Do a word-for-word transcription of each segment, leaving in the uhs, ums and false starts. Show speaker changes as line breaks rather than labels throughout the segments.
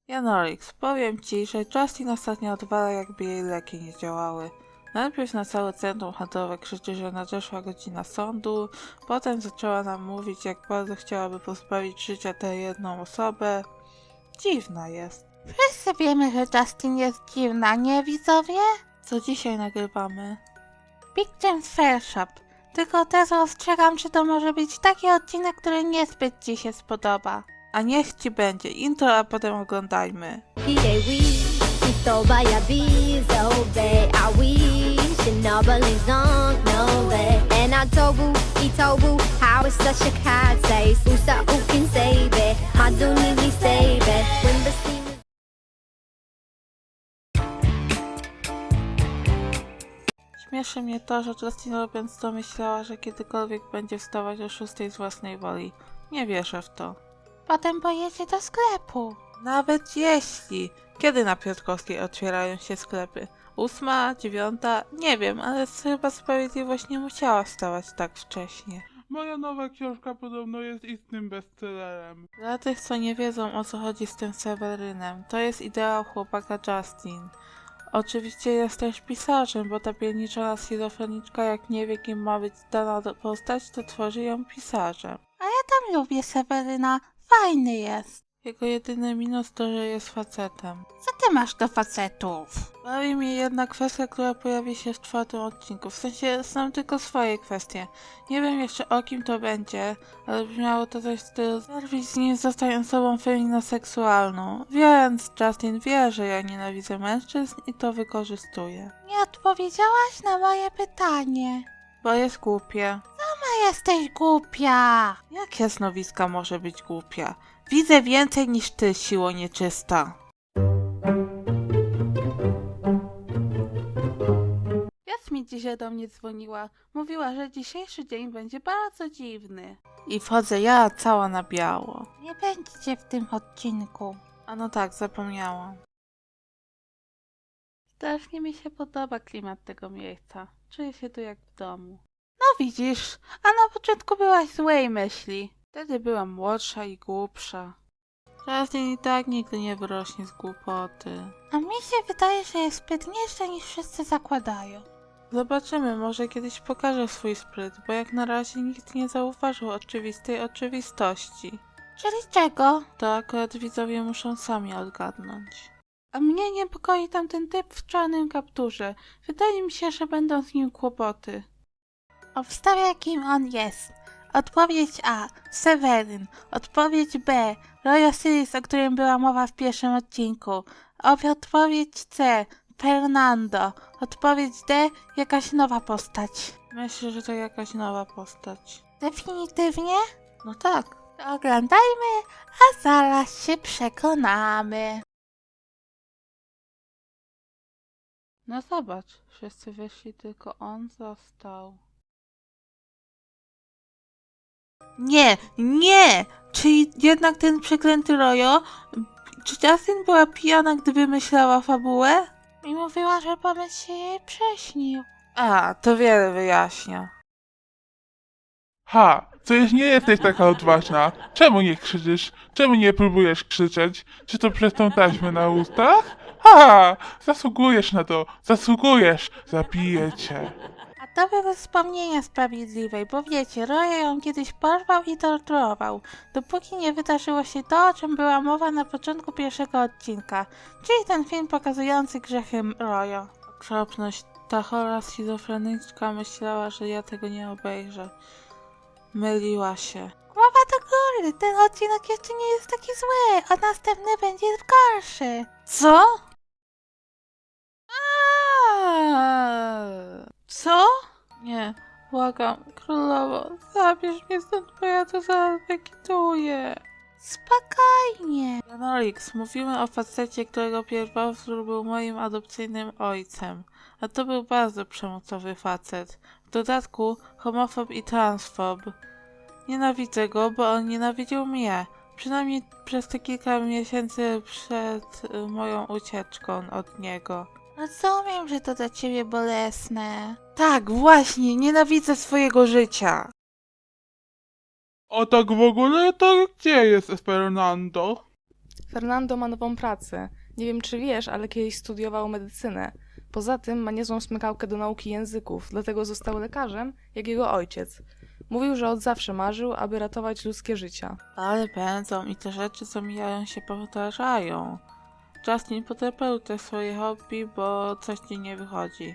Janolix, powiem ci, że Justin ostatnio odwala, jakby jej leki nie działały. Najpierw na całe centrum handlowe krzyczy, że nadeszła godzina sądu, potem zaczęła nam mówić, jak bardzo chciałaby pozbawić życia tę jedną osobę. Dziwna jest.
Wszyscy wiemy, że Justin jest dziwna, nie widzowie?
Co dzisiaj nagrywamy?
Big James Fair Shop. Tylko teraz ostrzegam, że to może być taki odcinek, który niezbyt ci się spodoba.
A niech ci będzie intro, a potem oglądajmy. Śmieszy mnie to, że Justin robiąc to myślała, że kiedykolwiek będzie wstawać o szóstej z własnej woli. Nie wierzę w to.
Potem pojedzie do sklepu.
Nawet jeśli. Kiedy na Piotrkowskiej otwierają się sklepy? Ósma, dziewiąta? Nie wiem, ale chyba Sprawiedliwość nie musiała wstawać tak wcześnie.
Moja nowa książka podobno jest istnym bestsellerem.
Dla tych, co nie wiedzą, o co chodzi z tym Sewerynem, to jest ideał chłopaka Justin. Oczywiście jest też pisarzem, bo ta pierniczona schizofreniczka, jak nie wie, kim ma być dana postać, to tworzy ją pisarzem.
A ja tam lubię Seweryna, fajny jest.
Jego jedyny minus to, że jest facetem.
Co ty masz do facetów?
Bawi mnie jedna kwestia, która pojawi się w czwartym odcinku. W sensie znam tylko swoje kwestie. Nie wiem jeszcze o kim to będzie, ale brzmiało to coś w stylu zerwij z nim, zostań osobą feminoseksualną. Więc Justin wie, że ja nienawidzę mężczyzn i to wykorzystuje.
Nie odpowiedziałaś na moje pytanie.
Bo jest głupie.
A jesteś głupia.
Jak jasnowiska może być głupia? Widzę więcej niż ty, siło nieczysta.
Jasmin dzisiaj do mnie dzwoniła. Mówiła, że dzisiejszy dzień będzie bardzo dziwny.
I wchodzę ja cała na biało.
Nie będziecie w tym odcinku.
A no tak, zapomniałam.
Strasznie mi się podoba klimat tego miejsca. Czuję się tu jak w domu. No widzisz, a na początku byłaś złej myśli.
Wtedy byłam młodsza i głupsza. Justin i tak nigdy nie wyrośnie z głupoty.
A mi się wydaje, że jest sprytniejsza niż wszyscy zakładają.
Zobaczymy, może kiedyś pokaże swój spryt, bo jak na razie nikt nie zauważył oczywistej oczywistości.
Czyli czego?
To akurat widzowie muszą sami odgadnąć.
A mnie niepokoi tamten typ w czarnym kapturze. Wydaje mi się, że będą z nim kłopoty. Obstawiaj, kim on jest. Odpowiedź A. Seweryn. Odpowiedź B. Roy Osiris, o którym była mowa w pierwszym odcinku. Odpowiedź C. Fernando. Odpowiedź D. Jakaś nowa postać.
Myślę, że to jakaś nowa postać.
Definitywnie?
No tak.
To oglądajmy, a zaraz się przekonamy.
No zobacz, wszyscy wyszli, tylko on został. Nie, nie! Czyli jednak ten przeklęty Rojo? Czy Justin była pijana, gdy wymyślała fabułę?
I mówiła, że pomysł się jej prześnił.
A, to wiele wyjaśnia.
Ha, przecież nie jesteś taka odważna. Czemu nie krzyczysz? Czemu nie próbujesz krzyczeć? Czy to przez tą taśmę na ustach? Ha, zasługujesz na to, zasługujesz, zabiję cię.
A to były wspomnienia sprawiedliwej, bo wiecie, Roy ją kiedyś porwał i torturował, dopóki nie wydarzyło się to, o czym była mowa na początku pierwszego odcinka, czyli ten film pokazujący grzechy Royo.
Okropność, ta chora schizofreniczka myślała, że ja tego nie obejrzę. Myliła się.
Głowa do góry, ten odcinek jeszcze nie jest taki zły, a następny będzie gorszy.
Co?
Co?
Nie, błagam, królowo, zabierz mnie stąd, bo ja to zaraz wykituję.
Spokojnie.
Janolix, mówimy o facecie, którego pierwowzór był moim adopcyjnym ojcem, a to był bardzo przemocowy facet. W dodatku homofob i transfob. Nienawidzę go, bo on nienawidził mnie. Przynajmniej przez te kilka miesięcy przed y, moją ucieczką od niego.
Rozumiem, że to dla ciebie bolesne.
Tak, właśnie, nienawidzę swojego życia.
O tak w ogóle, to gdzie jest Fernando?
Fernando ma nową pracę. Nie wiem, czy wiesz, ale kiedyś studiował medycynę. Poza tym ma niezłą smykałkę do nauki języków, dlatego został lekarzem, jak jego ojciec. Mówił, że od zawsze marzył, aby ratować ludzkie życia.
Ale pędzą i te rzeczy, co mijają, się powtarzają. Justin, potrzebuj te swoje hobby, bo coś ci nie wychodzi.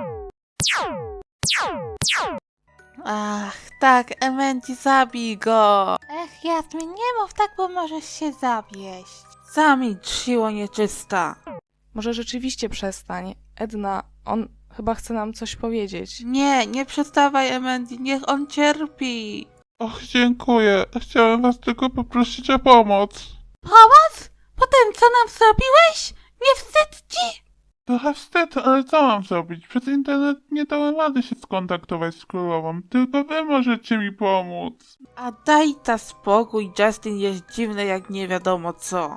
Ach, tak, Emendi, zabij go!
Ech, Jasmin, nie mów tak, bo możesz się zawieść.
Zamilcz, siło nieczysta!
Może rzeczywiście przestań. Edna, on chyba chce nam coś powiedzieć.
Nie, nie przestawaj, Emendi, niech on cierpi!
Och, dziękuję. Chciałem was tylko poprosić o pomoc.
Pomoc? Po tym, co nam zrobiłeś? Nie wstyd ci?
Trochę wstyd, ale co mam zrobić? Przez internet nie dałem rady się skontaktować z królową. Tylko wy możecie mi pomóc.
A daj ta spokój, Justin jest dziwny jak nie wiadomo co.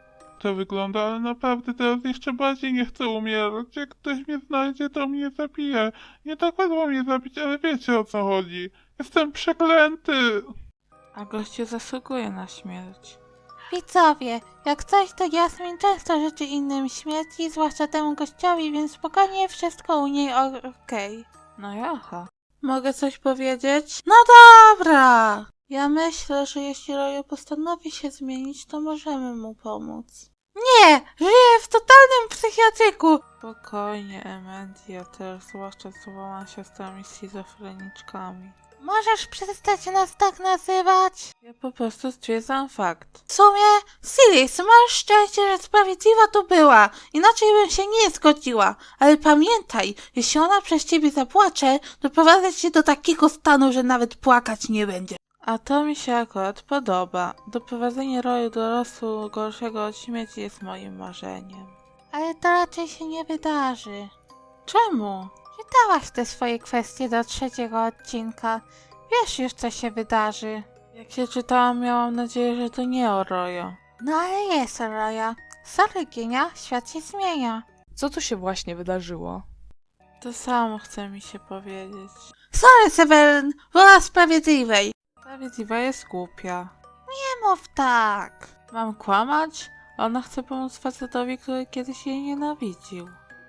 To wygląda, ale naprawdę teraz jeszcze bardziej nie chcę umierać. Jak ktoś mnie znajdzie, to mnie zabije. Nie tak łatwo mnie zabić, ale wiecie o co chodzi. Jestem przeklęty.
A gościu zasługuje na śmierć.
Widzowie, jak coś, to Jasmin często życzy innym śmierci, zwłaszcza temu gościowi, więc spokojnie wszystko u niej o- okej.
No jaha. Mogę coś powiedzieć?
No dobra! Ja myślę, że jeśli Rojo postanowi się zmienić, to możemy mu pomóc. Nie! Żyję w totalnym psychiatryku!
Spokojnie, Emendi, ja też, zwłaszcza z dwoma siostrami schizofreniczkami.
Możesz przestać nas tak nazywać?
Ja po prostu stwierdzam fakt.
W sumie, Silis, masz szczęście, że sprawiedliwa to była. Inaczej bym się nie zgodziła. Ale pamiętaj, jeśli ona przez ciebie zapłacze, doprowadzę cię do takiego stanu, że nawet płakać nie będzie.
A to mi się akurat podoba. Doprowadzenie roju do losu gorszego od śmierci jest moim marzeniem.
Ale to raczej się nie wydarzy.
Czemu?
Czytałaś te swoje kwestie do trzeciego odcinka. Wiesz już, co się wydarzy.
Jak się czytałam, miałam nadzieję, że to nie o Rojo.
No ale jest Roja. Sorry, Gienia, świat się zmienia.
Co tu się właśnie wydarzyło?
To samo chce mi się powiedzieć.
Sorry, Seweryn, wola sprawiedliwej.
Sprawiedliwa jest głupia.
Nie mów tak.
Mam kłamać? Ona chce pomóc facetowi, który kiedyś jej nienawidził.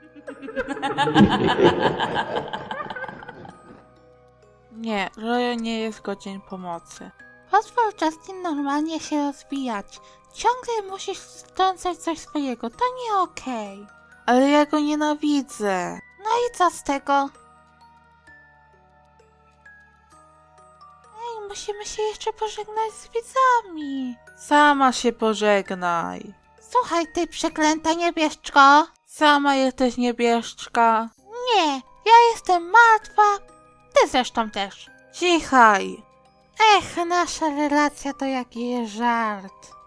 Nie, Rojo nie jest godzien pomocy.
Pozwól Justin normalnie się rozwijać. Ciągle musisz wtrącać coś swojego, to nie okej.
Ale ja go nienawidzę.
No i co z tego? Ej, musimy się jeszcze pożegnać z widzami.
Sama się pożegnaj.
Słuchaj, ty przeklęta niebieszczko.
Sama jesteś niebieszczka.
Nie, ja jestem martwa. Ty zresztą też.
Cichaj.
Ech, nasza relacja to jakiś żart.